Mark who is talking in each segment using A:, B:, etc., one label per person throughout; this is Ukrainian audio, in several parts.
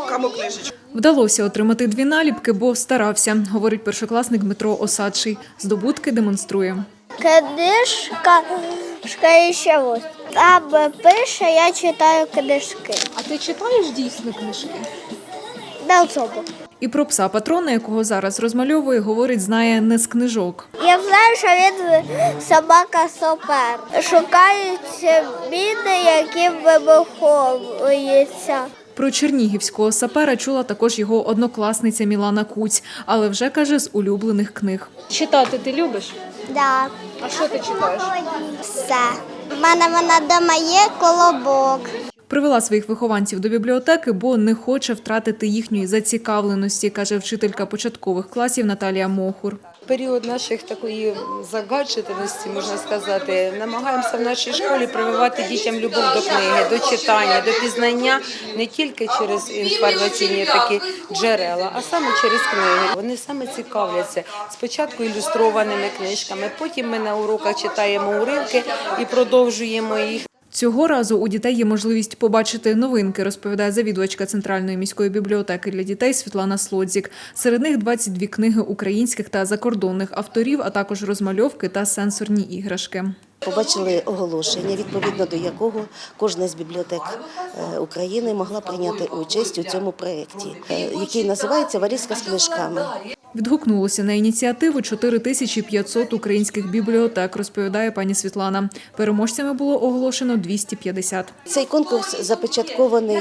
A: окрему книжечку.
B: Вдалося отримати 2 наліпки, бо старався, говорить першокласник Дмитро Осадший. Здобутки демонструє.
C: Книжка і ще ось. Там пише, я читаю книжки.
B: А ти читаєш дійсно книжки?
C: Не особо.
B: І про пса-патрона, якого зараз розмальовує, говорить, знає не з книжок.
C: Я знаю, що він собака-сопер. Шукають міни, які вибуховуються.
B: Про чернігівського сапера чула також його однокласниця Мілана Куць, але вже, каже, з улюблених книг. Читати ти любиш?
C: Да.
B: А що ти читаєш?
C: Все. У мене вона вдома є колобок.
B: Привела своїх вихованців до бібліотеки, бо не хоче втратити їхньої зацікавленості, каже вчителька початкових класів Наталія Мохур.
D: Період наших такої загадженості, можна сказати, намагаємося в нашій школі прививати дітям любов до книги, до читання, до пізнання не тільки через інформаційні такі джерела, а саме через книги. Вони саме цікавляться спочатку ілюстрованими книжками, потім ми на уроках читаємо уривки і продовжуємо їх.
B: Цього разу у дітей є можливість побачити новинки, розповідає завідувачка Центральної міської бібліотеки для дітей Світлана Слодзік. Серед них 22 книги українських та закордонних авторів, а також розмальовки та сенсорні іграшки.
E: Побачили оголошення, відповідно до якого кожна з бібліотек України могла прийняти участь у цьому проєкті, який називається «Валізка з книжками».
B: Відгукнулося на ініціативу 4500 українських бібліотек, розповідає пані Світлана. Переможцями було оголошено 250.
E: Цей конкурс започаткований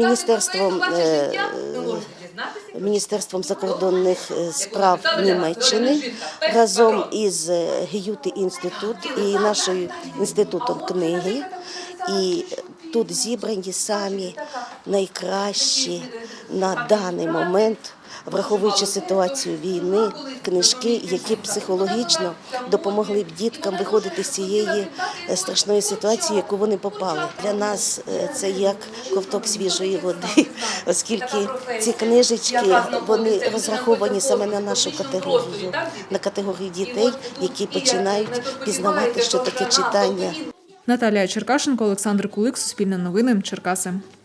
E: Міністерством закордонних справ Німеччини разом із Гьюте-інститут і нашим інститутом книги. І тут зібрані самі найкращі на даний момент, враховуючи ситуацію війни, книжки, які психологічно допомогли б діткам виходити з цієї страшної ситуації, в яку вони попали. Для нас це як ковток свіжої води, оскільки ці книжечки, вони розраховані саме на нашу категорію, на категорію дітей, які починають пізнавати, що таке читання.
B: Наталія Черкашенко, Олександр Кулик, Суспільне новини, Черкаси.